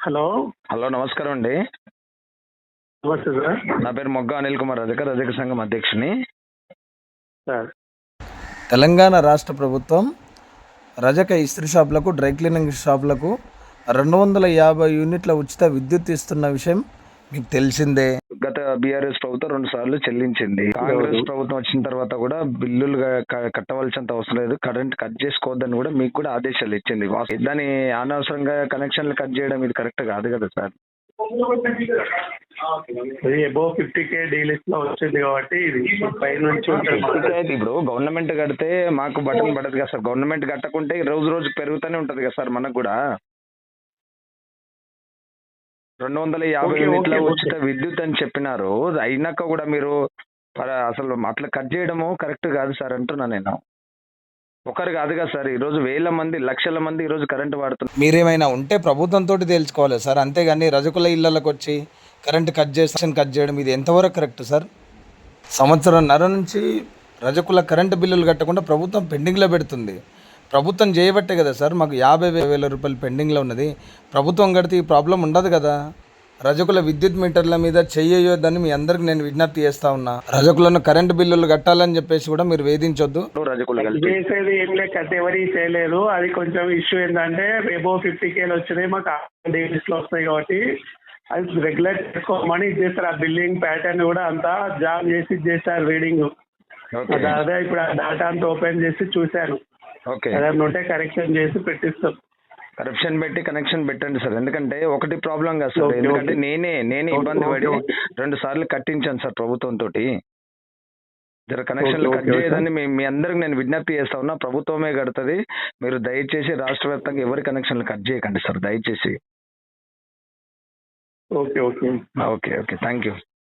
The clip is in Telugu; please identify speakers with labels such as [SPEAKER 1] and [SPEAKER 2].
[SPEAKER 1] హలో.
[SPEAKER 2] హలో, నమస్కారం అండి.
[SPEAKER 1] నమస్తే సార్.
[SPEAKER 2] నా పేరు మొగ్గ అనిల్ కుమార్ రజక సంఘం అధ్యక్షుని.
[SPEAKER 1] సార్,
[SPEAKER 3] తెలంగాణ రాష్ట్ర ప్రభుత్వం రజక ఇస్త్రీ షాపులకు, డ్రై క్లీనింగ్ షాపులకు 250 యూనిట్ల ఉచిత విద్యుత్ ఇస్తున్న విషయం మీకు తెలిసిందే.
[SPEAKER 2] గత బీఆర్ఎస్ ప్రభుత్వం 2 సార్లు చెల్లించింది. కాంగ్రెస్ ప్రభుత్వం వచ్చిన తర్వాత కూడా బిల్లులు కట్టవలసినంత అవసరం లేదు, కరెంట్ కట్ చేసుకోవద్దని కూడా మీకు కూడా ఆదేశాలు ఇచ్చింది. దాని అనవసరంగా కనెక్షన్లు కట్ చేయడం ఇది కరెక్ట్ కాదు కదా సార్.
[SPEAKER 1] ఇది అబోవ్ 50K డీలిస్ట్ లో వచ్చింది కాబట్టి ఇది పై నుంచి
[SPEAKER 2] ఇప్పుడు గవర్నమెంట్ కడితే మాకు బటన్ పడదు కదా సార్. గవర్నమెంట్ కట్టకుంటే రోజు రోజు పెరుగుతూనే ఉంటది కదా సార్. మనకు కూడా 250 యూనిట్ల ఉచిత విద్యుత్ అని చెప్పినారు. అయినాక కూడా మీరు అసలు అట్లా కట్ చేయడము కరెక్ట్ కాదు సార్ అంటున్నా నేను. ఒకరు కాదు కదా సార్, ఈ రోజు వేల మంది, లక్షల మంది ఈ రోజు కరెంట్ వాడుతున్నారు.
[SPEAKER 3] మీరేమైనా ఉంటే ప్రభుత్వంతో తేల్చుకోవాలి సార్, అంతేగాని రజకుల ఇళ్లకు వచ్చి కరెంట్ కట్ చేయడం ఇది ఎంతవరకు కరెక్ట్ సార్? సంవత్సరంన్నర నుంచి రజకుల కరెంటు బిల్లులు కట్టకుండా ప్రభుత్వం పెండింగ్లో పెడుతుంది. ప్రభుత్వం చేయబట్టే కదా సార్ మాకు 50,000 రూపాయలు పెండింగ్లో ఉన్నది. ప్రభుత్వం కడితే ఈ ప్రాబ్లం ఉండదు కదా. రజకుల విద్యుత్ మీటర్ల మీద చెయ్యొద్దని మీ అందరికి నేను విజ్ఞప్తి చేస్తా ఉన్నా. రజకులను కరెంటు బిల్లులు కట్టాలని చెప్పేసి కూడా మీరు వేధించొద్దు.
[SPEAKER 1] చేసేది ఏం లేక ఎవరి చేయలేదు. అది కొంచెం ఇష్యూ ఏంటంటే అబోవ్ 50K వచ్చినాయి, మాకు డీలిస్ట్ లో వస్తాయి కాబట్టి అది రెగ్యులర్ చేసుకోమని చేస్తారు. ఆ బిల్లింగ్ ప్యాటర్న్ కూడా అంతా జామ్ చేసి చేస్తారు రీడింగ్. అదే ఇప్పుడు ఆ డేటా అంతా ఓపెన్ చేసి చూశాను. ఏదైనా ఉంటే కరెక్షన్ చేసి పెట్టిస్తాం.
[SPEAKER 2] కరప్షన్ పెట్టి కనెక్షన్ పెట్టండి సార్. ఎందుకంటే ఒకటి ప్రాబ్లం కాదు సార్. ఎందుకంటే నేనే ఇబ్బంది పడి 2 సార్లు కట్టించాను సార్ ప్రభుత్వం తోటి. జర కనెక్షన్లు కట్ చేయదని మీ అందరికి నేను విజ్ఞప్తి చేస్తా ఉన్నా. ప్రభుత్వమే కడుతుంది. మీరు దయచేసి రాష్ట్ర వ్యాప్తంగా ఎవరి కనెక్షన్లు కట్ చేయకండి సార్ దయచేసి.
[SPEAKER 1] Okay okay
[SPEAKER 2] okay okay thank you.